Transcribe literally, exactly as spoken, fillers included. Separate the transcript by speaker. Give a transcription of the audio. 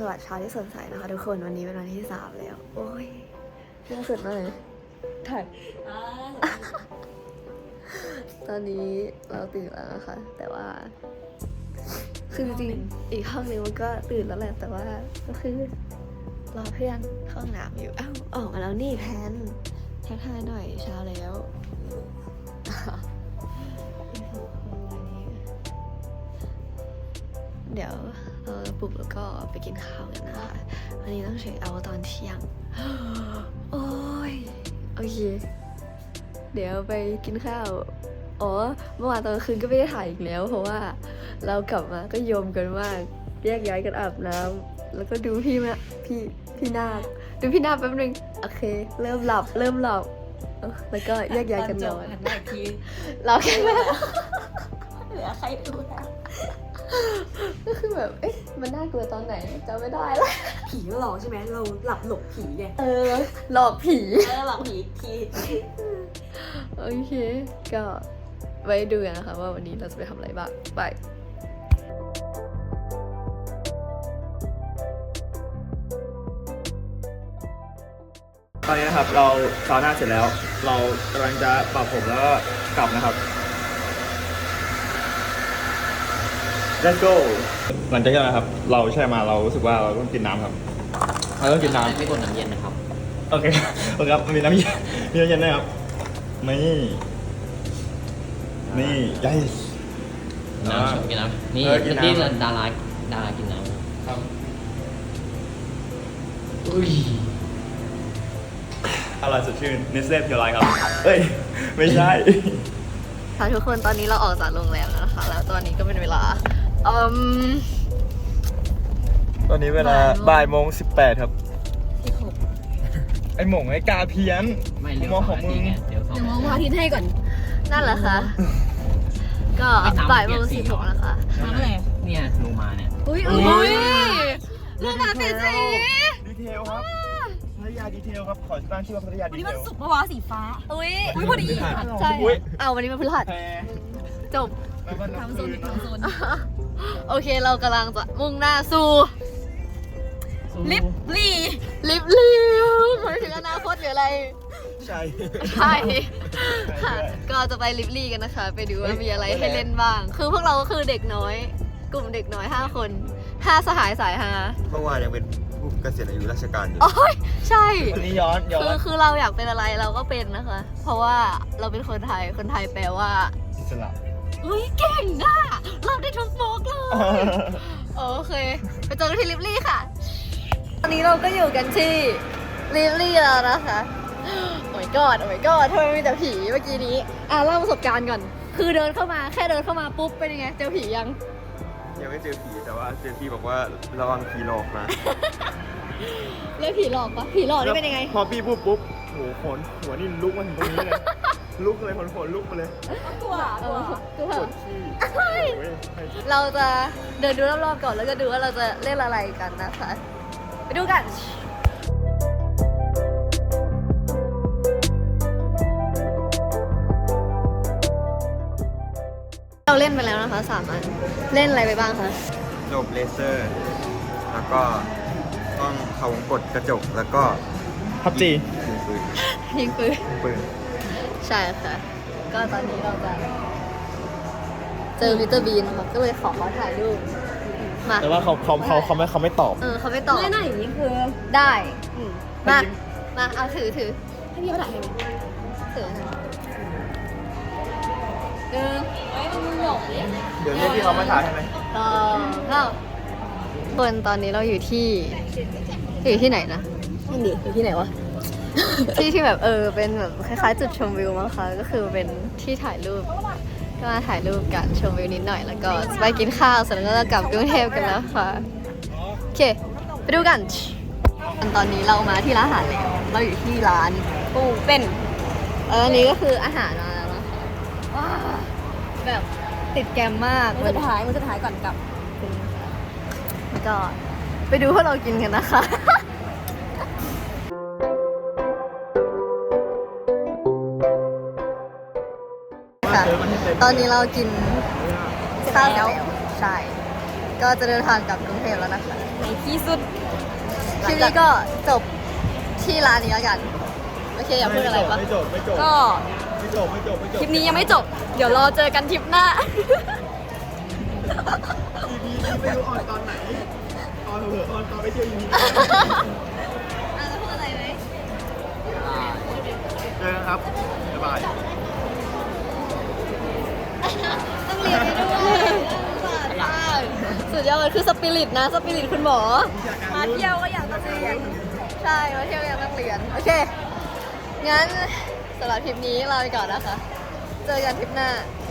Speaker 1: วัสดิ์เช้าที่สดใสนะคะทุกคนวันนี้เป็นวันที่สามแล้วโอ้ยเพิ่งสุดเลยถ่ายตอนนี้เราตื่นแล้วนะคะ แต่ว่าคือจริงๆอีกห้องนึงมันก็ตื่นแล้วแหละแต่ว่าก็คือรอเพื่อนเข้าห้องน้ำอยู่อ้าวออกมาแล้วนี่แพนทักทายหน่อยเช้าแล้วเดี๋ยวเราปลุกแล้วก็ไปกินข้าวกันนะคะวันนี้ต้องเช็คเอาท์ตอนเที่ยงโอ้ยโอเคเดี๋ยวไปกินข้าวอ๋อเมื่อวานตอนคืนก็ไม่ได้ถ่ายอีกแล้วเพราะว่าเรากลับมาก็โยมกันมากแยกย้ายกันอาบน้ำแล้วก็ดูพี่มาพี่พี่นาคดูพี่นาคแป๊บนึงโอเคเริ่มหลับเริ่มหลับแล้วก็แยกย้ายกันนอนเราแค่เหลือใครดูนะก็คือแบบเอ๊ะมันน่ากลัวตอนไหนจำไม่ได้แล้ว
Speaker 2: ผีหลอกใช่ไหมเราหลับหลบผีไง
Speaker 1: เออหลอกผี
Speaker 2: เออหลอกผีผี
Speaker 1: โอเคก็ไว้ดูกันนะคะว่าวันนี้เราจะไปทำอะไรบ้างไป
Speaker 3: ตอนนี้นะครับเราซาวน่าเสร็จแล้วเรากำลังจะปรับผมแล้วก็กลับนะครับ Let's go หลังจากนั้นนะครับเราแช่มาเรารู้สึกว่าเราต้องกินน้ำครับเราต้องกินน้ำ
Speaker 4: ไม่กดน้ำเย็นนะครับ
Speaker 3: โอเคโอเคครับมีน้ำเย็นมีน้ำเย็นด้วยครับนี่นี่ยัย
Speaker 4: น้ำชอบกินน้ำนี่ที่ดาราดารากินน้ำครับอุ้ย
Speaker 3: อร่อยสดชื่นเนสเล่เพียวไลท์ครับเอ้ยไม่ใช่
Speaker 1: ค่ะทุกคนตอนนี้เราออกจากโรงแรมแล้วนะคะแล้วตอนนี้ก็เป็นเวลาอืม
Speaker 3: ตอนนี้เวลาบ่ายโมงสิบแปดครับไอหม่งไอกาเพี้ยน
Speaker 4: ไม่เลี้ยว
Speaker 3: สองนาทีไง
Speaker 4: เดี๋ยวสอง
Speaker 2: มองพระอาทิตย์ให้ก่อน
Speaker 1: นั่นแหละค่ะก็บ่ายโมงสิบหกนะคะ
Speaker 2: น้ำอะไร
Speaker 4: เนี่ยลงมาเนี่ย
Speaker 1: อุ้ยอุ้ยลงมาเป็นสี
Speaker 3: ดีเทลครับพัทยาดีเทลครับขอตั้งชื่อว่าพัทยาดีเทล
Speaker 2: วันนี้มันสุกปะวะสีฟ้า
Speaker 1: อุ้ย
Speaker 2: อุ้ยพอดี
Speaker 1: ใช่เอาวันนี้มันพฤหัสจบ
Speaker 2: ทำโซนทำโซน
Speaker 1: โอเคเรากำลังจะมุ่งหน้าสู่
Speaker 2: ลิฟลี่
Speaker 1: ลิฟลี่หมายถึงอนาคตหรืออะไร
Speaker 3: ใช่
Speaker 1: ใช่ก็จะไปลิฟลี่กันนะคะไปดูว่ามีอะไรให้เล่นบ้างคือพวกเราก็คือเด็กน้อยกลุ่มเด็กน้อยห้าคนห้าสหายสายฮา
Speaker 5: เมื่อวานยังเป็นผู้เกษียณอายุราชการอยู่
Speaker 1: โอ้ยใช่
Speaker 3: วันนี้ย้อนย้อน
Speaker 1: คือคือเราอยากเป็นอะไรเราก็เป็นนะคะเพราะว่าเราเป็นคนไทยคนไทยแปลว่า
Speaker 3: อิสระ
Speaker 1: เฮ้ยเก่งอ่ะเราได้ทุกโมกเลยโอเคไปเจอกันที่ลิฟลี่ค่ะตอนนี้เราก็อยู่กันที่ลิฟลี่แล้วนะคะโอ้ยกอดโอ้ยกอดทำไมมีแต่ผีเมื่อกี้นี้อ่ะเล่าประสบการณ์ก่อนคือเดินเข้ามาแค่เดินเข้ามาปุ๊บเป็นยังไงเจอผียัง
Speaker 5: ยังไม่เจอผีแต่ว่าเจอผีบอกว่าระวังผีหลอกนะ
Speaker 1: เรียกผีหลอกปะผีหลอกนี่เป็นยังไง
Speaker 3: พอพี่พูดปุ๊บโหขนหัวนี่ลุกมาถึงตรงนี้เลยลุกเลยขนขนลุกมาเลย
Speaker 2: ตัว
Speaker 1: ตัวตัว
Speaker 3: ปวดขี้
Speaker 1: เราจะเดินดูรอบๆก่อนแล้วก็ดูว่าเราจะเล่นอะไรกันนะคะไปดูกันเราเล่นไปแล้วนะคะสามอันเล่นอะไรไปบ้างคะ
Speaker 5: โลบเลเซอร์แล้วก็ต้องเขาวงกดกระจกแล้วก็
Speaker 3: พับจี
Speaker 5: ยิงปืน
Speaker 1: ยิงปืน
Speaker 5: ปืน
Speaker 1: ใช่ค่ะก็ตอนนี้เราจะเจอมิสเตอร์บีนค่ะก็เลยขอเขาถ่ายรูปมา
Speaker 3: แต่ว่าเขาเขาเขาเขาไม่เขาไม่ตอบ
Speaker 1: เออเขาไม่ตอบ
Speaker 2: ไม่น่าอย่างนี้คือ
Speaker 1: ได้มามาเอาถือถือ
Speaker 2: ให้พี่เขาถ่ายให้ไหม
Speaker 1: ถือเออ
Speaker 2: ไว้มันหลงเนี่ย
Speaker 3: เดี๋ยวเรียกพี่เขามาถ่ายให้ไหม
Speaker 1: ต่อเข้าคนตอนนี้เราอยู่ที่อยู่ที่ไหนนะ
Speaker 2: นั่นดิอยู่ที่ไหนวะ
Speaker 1: ที่ที่แบบเออเป็นแบบคล้ายๆจุดชมวิวมั้งคะก็คือเป็นที่ถ่ายรูปก็มาถ่ายรูปกันชมวิวนิดหน่อยแล้วก็ไปกินข้าวเสร็จแล้วก็จะกลับกรุงเทพกันแล้วค่ะโอเคไปดูกันตอนนี้เรามาที่ร้านอาหารแล้วเราอยู่ที่ร้านปูเป็นเอออันนี้ก็คืออาหารมาแล้วนะคะว้าแบบติดแกมมาก
Speaker 2: มันจะถ่ายมันจะถ่ายก่อนกลับ
Speaker 1: ก็ไปดูพวกเรากินกันนะคะตอนนี้เรากินข้าวแล้วใช่ก็จะเดินทางกลับกรุงเทพแล้วนะคะ
Speaker 2: ในที่สุด
Speaker 1: คลิปนี้ก็จบที่ร้านนี้แล้วกัน โอเค อยากพูดอะไรปะ
Speaker 3: ไม่จบไม่จบ
Speaker 2: ก็
Speaker 3: ไม่จบไม่จบไม่จบ
Speaker 2: คลิปนี้ยังไม่จบ เดี๋ยวรอเจอกันทริปหน้า
Speaker 3: อีพีนี้ไม่รู้ออนตอนไหนออนเถอะออนตอนไปเที่ยวอีพี
Speaker 1: อ่ะแล้วพูดอะไรไหม
Speaker 3: เจอกันครับบ๊ายบาย
Speaker 1: ต้องเรียนไปด้วยสุดยอดมันคือสปิริตนะ สปิริตคุณหมอ
Speaker 2: มาเที่ยวก็อยากจะเรียน
Speaker 1: ใช่ มาเที่ยวยังต้องเรียน โอเค งั้นสำหรับทริปนี้ลาไปก่อนนะคะ เจอกันทริปหน้า